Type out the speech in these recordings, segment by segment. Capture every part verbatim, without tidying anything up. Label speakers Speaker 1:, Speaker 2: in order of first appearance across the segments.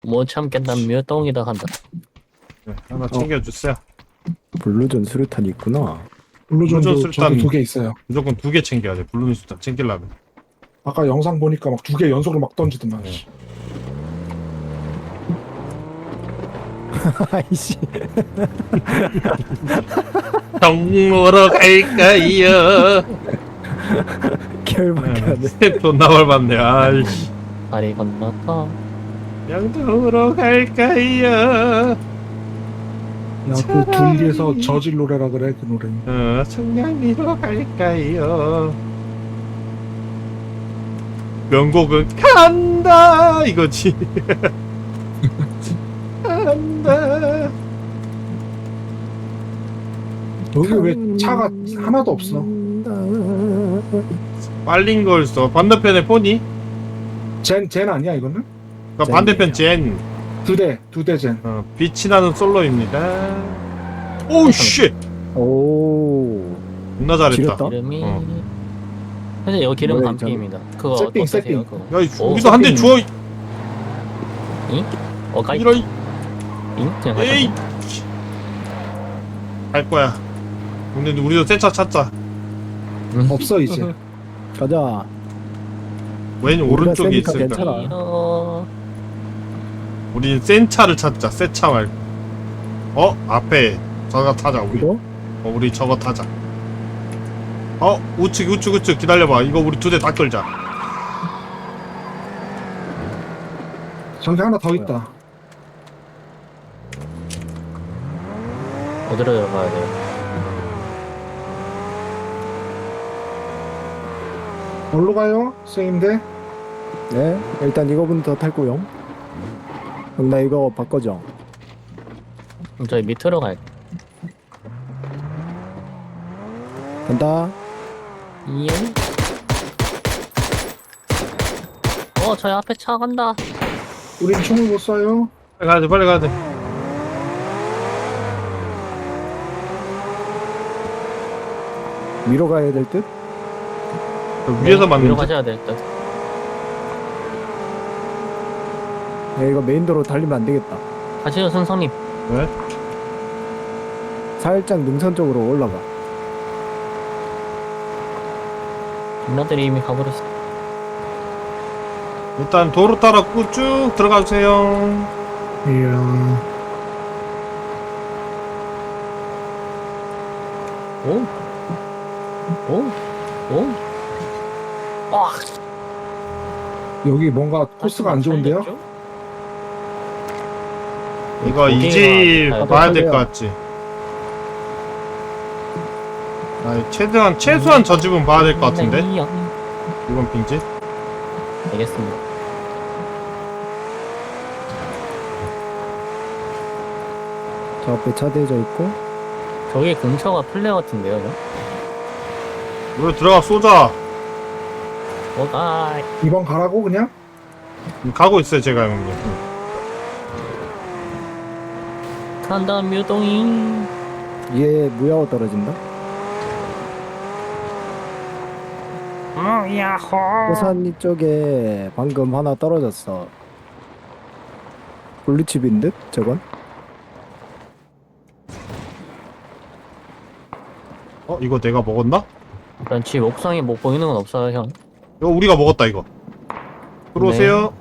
Speaker 1: 못 참겠다 묘똥이다 한다.
Speaker 2: 네, 하나 챙겨주세요.
Speaker 3: 블루전 수류탄이 있구나.
Speaker 4: 블루존도
Speaker 2: 블루존
Speaker 4: 저도
Speaker 2: 술탄-
Speaker 4: 두 개 있어요.
Speaker 2: 무조건 두 개 챙겨야 돼. 블루민 수탄 챙기려면.
Speaker 4: 아까 영상 보니까 막 두 개 연속으로 막 던지더만.
Speaker 2: 네.
Speaker 3: 아이씨.
Speaker 2: 정모로 갈까요?
Speaker 3: 결밖에 안 돼.
Speaker 2: 존나 벌받네. 아이씨.
Speaker 1: 다리 건너서
Speaker 2: 양도로 갈까요?
Speaker 4: 야그 둘리에서 저질 노래라 그래 그 노래.
Speaker 2: 어, 청량리로 갈까요? 명곡은 간다 이거지. 간다.
Speaker 4: 여기 왜 차가 하나도 없어?
Speaker 2: 빨린 걸 써. 반대편에 포니?
Speaker 4: 젠, 젠 아니야 이거는?
Speaker 2: 그러니까 반대편 젠.
Speaker 4: 두 대, 두 대 젠.
Speaker 2: 어, 빛이 나는 솔로입니다. 오우 쉣.
Speaker 3: 오.
Speaker 2: 존나 잘했다.
Speaker 3: 지렸다?
Speaker 1: 기름이
Speaker 2: 어.
Speaker 1: 사실 여기 기름
Speaker 3: 뭐야,
Speaker 1: 반피입니다. 그거
Speaker 4: 세팅,
Speaker 1: 어떠세요?
Speaker 4: 세팅.
Speaker 1: 그거?
Speaker 2: 야, 이
Speaker 1: 오,
Speaker 2: 우리도 한 대
Speaker 4: 세팅.
Speaker 2: 주워. 이-
Speaker 1: 잉? 어 가이
Speaker 2: 이러. 이-
Speaker 1: 잉? 그냥
Speaker 2: 에이.
Speaker 1: 가자.
Speaker 2: 갈 거야. 근데 우리도 새 차 찾자.
Speaker 4: 없어 이제.
Speaker 3: 가자.
Speaker 2: 왼
Speaker 3: 우리가
Speaker 2: 오른쪽에
Speaker 3: 세니까
Speaker 2: 있을까?
Speaker 3: 괜찮아.
Speaker 1: 어...
Speaker 2: 우리 센 차를 찾자. 새 차 말고. 어? 앞에 저거 타자 우리.
Speaker 3: 이거?
Speaker 2: 어, 우리 저거 타자. 어? 우측 우측 우측 기다려봐. 이거 우리 두 대 다 끌자.
Speaker 4: 저기 하나 더 있다.
Speaker 1: 어디로 들어가야 돼요?
Speaker 4: 어디로 가요? 선생님들?
Speaker 3: 네. 일단 이거부터 탈 거요. 그럼 나 이거 바꿔줘.
Speaker 1: 그럼 저희 밑으로 갈.
Speaker 3: 간다.
Speaker 1: 이응? 어 저희 앞에 차 간다.
Speaker 4: 우린 총을 못 쏴요.
Speaker 2: 빨리 가야 돼. 빨리 가야 돼.
Speaker 3: 위로 가야 될 듯?
Speaker 2: 저 위에서
Speaker 1: 네,
Speaker 2: 맞는
Speaker 1: 위로
Speaker 2: 데
Speaker 1: 가셔야 될 듯.
Speaker 3: 야, 이거 메인도로 달리면 안 되겠다.
Speaker 1: 가시죠 선성님.
Speaker 2: 왜?
Speaker 3: 살짝 능선 쪽으로 올라가.
Speaker 1: 누나들이 이미 가버렸어.
Speaker 2: 일단 도로 따라 꾸- 쭉 들어가 주세요.
Speaker 4: 이야.
Speaker 1: 오? 오? 오? 와!
Speaker 4: 여기 뭔가 코스가 안 좋은데요?
Speaker 2: 이거 이 집 봐야 될 것 같지. 아, 최대한 최소한 저 집은 봐야 될 것 같은데. 이번 빙집.
Speaker 1: 알겠습니다.
Speaker 3: 저 앞에 차 대져 있고.
Speaker 1: 저기 근처가 플레어 같은데요, 저?
Speaker 2: 우리 들어가 쏘자.
Speaker 1: 어, 아,
Speaker 4: 이번 가라고 그냥?
Speaker 2: 가고 있어요 제가 형님.
Speaker 1: 간다 묘동이.
Speaker 3: 얘 무야호 떨어진다.
Speaker 1: 어, 야호.
Speaker 3: 호산 이쪽에 방금 하나 떨어졌어. 블루칩인 듯? 저건?
Speaker 2: 어 이거 내가 먹었나?
Speaker 1: 일단 집 옥상에 뭐 보이는 건 없어요, 형.
Speaker 2: 이거 우리가 먹었다 이거. 들어오세요.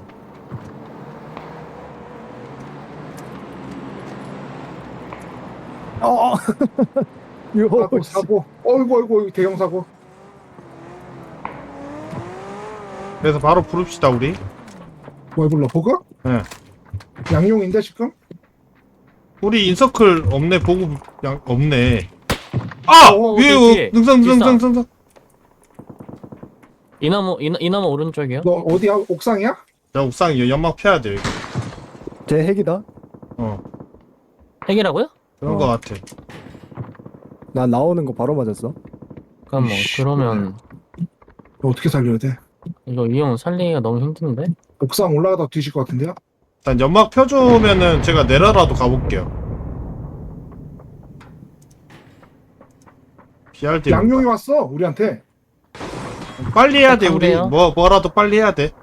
Speaker 3: 어! 요,
Speaker 4: 사고, 사고. 어이구, 어이구, 대형 사고.
Speaker 2: 그래서 바로 부릅시다 우리.
Speaker 4: 뭘 불러? 보급?
Speaker 2: 예.
Speaker 4: 양용인데 지금?
Speaker 2: 우리 인서클 없네. 보고 양 없네. 아!
Speaker 4: 어,
Speaker 2: 위에
Speaker 1: 뒤에, 뒤에.
Speaker 2: 능선 능선
Speaker 1: 비싸.
Speaker 2: 능선 능선.
Speaker 1: 이 나무, 이, 나- 이 나무 오른쪽이요?
Speaker 4: 너 어디야? 옥상이야?
Speaker 2: 자 옥상 연막 펴야 돼. 여기.
Speaker 3: 제 핵이다.
Speaker 2: 어
Speaker 1: 핵이라고요?
Speaker 2: 그런
Speaker 3: 어.
Speaker 2: 거 같아.
Speaker 3: 나 나오는 거 바로 맞았어.
Speaker 1: 잠깐만,
Speaker 4: 이씨,
Speaker 1: 그러면
Speaker 4: 너 어떻게 살려야 돼?
Speaker 1: 이거 위험 살리기가 너무 힘든데?
Speaker 4: 옥상 올라가다 뒤질 것 같은데요?
Speaker 2: 일단 연막 펴주면은 제가 내려라도 가볼게요. 피알디
Speaker 4: 양용이 왔어 우리한테.
Speaker 2: 빨리 해야 돼 우리.
Speaker 1: 상대요?
Speaker 2: 뭐 뭐라도 빨리 해야 돼.